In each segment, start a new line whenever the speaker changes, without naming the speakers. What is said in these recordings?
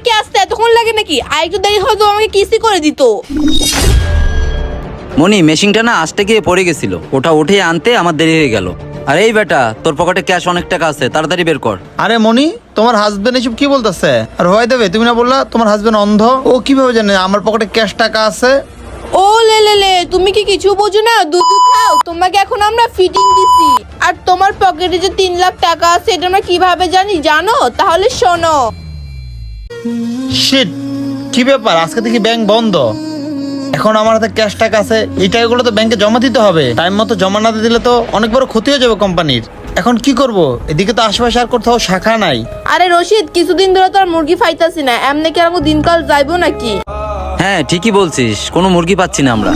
কি আসতে এতক্ষণ লাগে নাকি? আর একটু দেরি হয়তো আমাকে কিস্তি করে দিত।
মনি, মেশিনটা না আসতে গিয়ে পড়ে গেছিল, ওটা উঠে আনতে আমার দেরি হয়ে গেল। আর এই বেটা, তোর পকেটে ক্যাশ অনেক টাকা আছে, তাড়াতাড়ি বের কর।
আরে মনি, তোমার হাজবেন্ড এসব কি বলতেছে? আর হয় দেবে, তুমি না বললা তোমার হাজবেন্ড অন্ধ? ও কিভাবে জানে আমার পকেটে ক্যাশ টাকা আছে?
ও লে, তুমি কি কিছু বোঝো না? দুধ খাও, তোমাকে এখন আমরা ফিটিং দিছি। আর তোমার পকেটে যে 3 লাখ টাকা আছে এটা আমরা কিভাবে জানো? তাহলে শোনো।
শিট, কি ব্যাপার? আজকে থেকে ব্যাংক বন্ধ। এখন আমার হাতে ক্যাশ টাকা আছে, এই টাকাগুলো তো ব্যাংকে জমা দিতে হবে। টাইম মতো জমা না দিলে তো অনেক বড় ক্ষতি হয়ে যাবে কোম্পানির। এখন কি করব? এদিকে তো আশেপাশে আর কোথাও শাখা নাই।
আরে রশিদ, কিছুদিন ধরে তো আর মুরগি ফাইতাছি না, এমনি কি আমাকে দিনকাল যাইবো নাকি?
হ্যাঁ ঠিকই বলছিস, কোনো মুরগি পাচ্ছি না আমরা।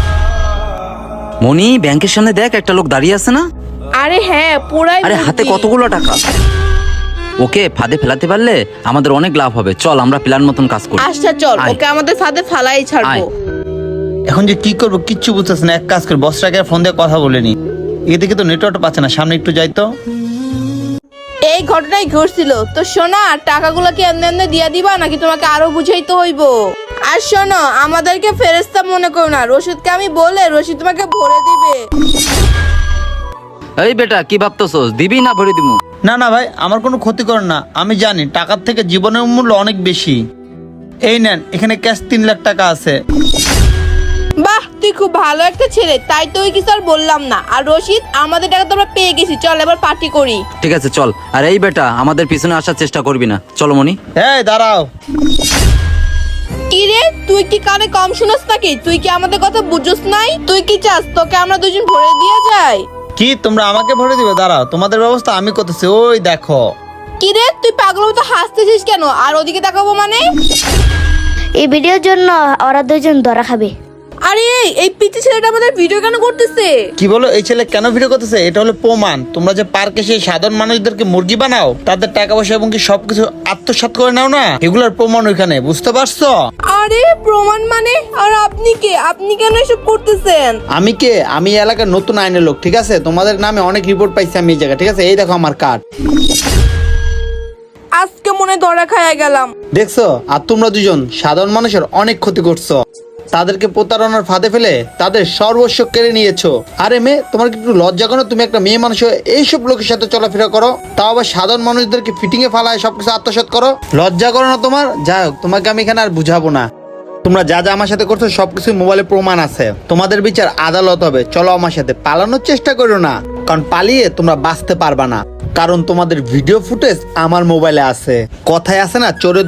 মনি, ব্যাংকের সামনে দেখ, একটা লোক দাঁড়িয়ে আছে না?
আরে হ্যাঁ, পুরাই
আরে হাতে
মুরগি।
কতগুলো টাকা। ওকে ফাঁদে ফেলাতে পারলে আমাদের অনেক লাভ হবে। চল আমরা প্ল্যান মতন কাজ করি।
আচ্ছা চল,
আয়।
ওকে আমাদের ফাঁদে ফালাই ছাড়বো।
এখন যে কি করব কিচ্ছু বুঝতেছ না। এক কাজ করে বসটাকে ফোন দিয়ে কথা বলে নি। এদিকে তো নেটওয়ার্ক পাচ্ছে না, সামনে একটু যাই তো।
এই ঘটনাই ঘটছিল তো। শোনা, টাকাগুলো কি এমনি দিয়া দিবা নাকি তোমাকে আরো বুঝাইতে হইব? আর শোনো, আমাদেরকে ফেরেশতা মনে করো না, রশিদকে আমি বলে রশিদ তোমাকে ভরে দিবে।
এই বেটা, কি ভাবতেছস? দিবি না ভরে দিমু?
না না ভাই, আমার কোনো ক্ষতি করেন না। আমি জানি টাকার থেকে জীবনের মূল্য অনেক বেশি। এই নেন, এখানে ক্যাশ 3 লাখ টাকা আছে।
বাহ, তুই খুব ভালো একটা ছেলে, তাই তো ওই কিছু আর বললাম না। আর রশিদ, আমাদের টাকা তো আমরা পেয়ে গেছি, চল এবার পার্টি করি।
ঠিক আছে চল। আর এই বেটা, আমাদের পিছনে আসার চেষ্টা করবি না। চলো মনি।
এই দাঁড়াও।
কি রে, তুই কি কানে কম শুনস নাকি? তুই কি আমাদের কথা বুঝছস নাই? তুই কি চাস তোকে আমরা দুজন ভরে দিয়ে যাই?
কি তোমরা আমাকে ভরে দিবে? দাঁড়াও, তোমাদের ব্যবস্থা আমি করতেছি। ওই দেখো।
কি রে, তুই পাগল মতো হাসতেছিস কেন? আর ওদিকে তাকাবো মানে?
এই ভিডিওর জন্য ওরা দুজন ধরা খাবে।
আরে এই পিচ্চি ছেলেটা আমাদের ভিডিও কেন করতেছে?
কি বলো? এই ছেলে কেন ভিডিও করতেছে? এটা হলো প্রমাণ। তোমরা যে পার্কে সেই সাধারণ মানুষদেরকে মুরগি বানাও, তাদের টাকা পয়সা এবং কি সবকিছু আত্মসাৎ করে নাও না, এগুলোর প্রমাণ ওইখানে। বুঝতে পারছো?
আরে প্রমাণ মানে? আর আপনি কে? আপনি কেন এসব করতেছেন?
আমি কে? আমি এই এলাকার নতুন আইনের লোক, ঠিক আছে? তোমাদের নামে অনেক রিপোর্ট পাইছি আমি এই জায়গায়, ঠিক আছে? এই দেখো আমার কার্ড।
আজকে মনে ধরা খায়া গেলাম।
দেখছো? আর তোমরা দুজন সাধারণ মানুষের অনেক ক্ষতি করছো। তাদেরকে প্রতারণার ফাঁদে ফেলে তাদের সর্বস্ব কেড়ে নিয়েছো। আরে মেয়ে, তোমার কি একটু লজ্জা করো? তুমি একটা মেয়ে মানুষ হয়ে এইসব লোকের সাথে চলাফেরা করো, তাও আবার সাধারণ মানুষদেরকে ফিটিং এ ফালায় সবকিছু আত্মসাৎ করো। লজ্জা করো না তোমার? যাই হোক, তোমাকে আমি এখানে আর বুঝাবো না। তোমরা যা যা আমার সাথে করছো সবকিছু মোবাইলে প্রমাণ আছে। তোমাদের বিচার আদালত হবে। চলো আমার সাথে। পালানোর চেষ্টা করো না, কারণ পালিয়ে তোমরা বাঁচতে পারবা না। কারণ তোমাদের ভিডিও ফুটেজ আমার মোবাইলে আছে। কথায় আছে না, চোরের